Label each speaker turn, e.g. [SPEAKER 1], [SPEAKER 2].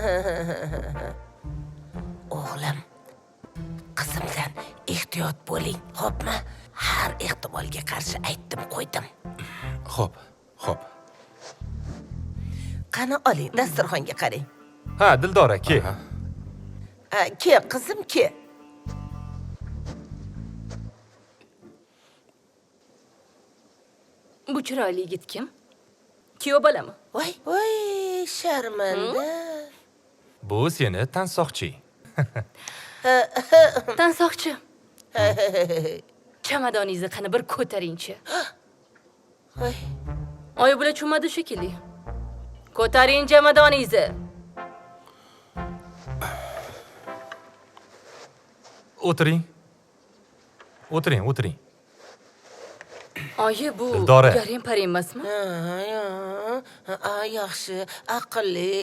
[SPEAKER 1] O'g'lim, qizimdan ehtiyot bo'ling, xo'pmi? Har ehtimolga qarshi aytdim, qo'ydim.
[SPEAKER 2] Xo'p.
[SPEAKER 1] Qani oling, dasturxonga qarang.
[SPEAKER 2] Ha, Dildora, ke.
[SPEAKER 1] Ke, qizim, ke.
[SPEAKER 3] Bu chiroyli yigit kim? Kuyov bolami?
[SPEAKER 1] Voy, sharmanda.
[SPEAKER 2] Bu seni tansoqchi.
[SPEAKER 3] Tansoqchi. Chamadoningizni qani bir ko'taringchi.
[SPEAKER 1] Voy.
[SPEAKER 3] Oy bular cho'madi shekilli. Ko'taring chamadoningizni.
[SPEAKER 2] O'tiring.
[SPEAKER 3] Oyi, bu
[SPEAKER 2] Dildora.
[SPEAKER 3] garim parim emasmi?
[SPEAKER 1] Yaxshi, aqlli.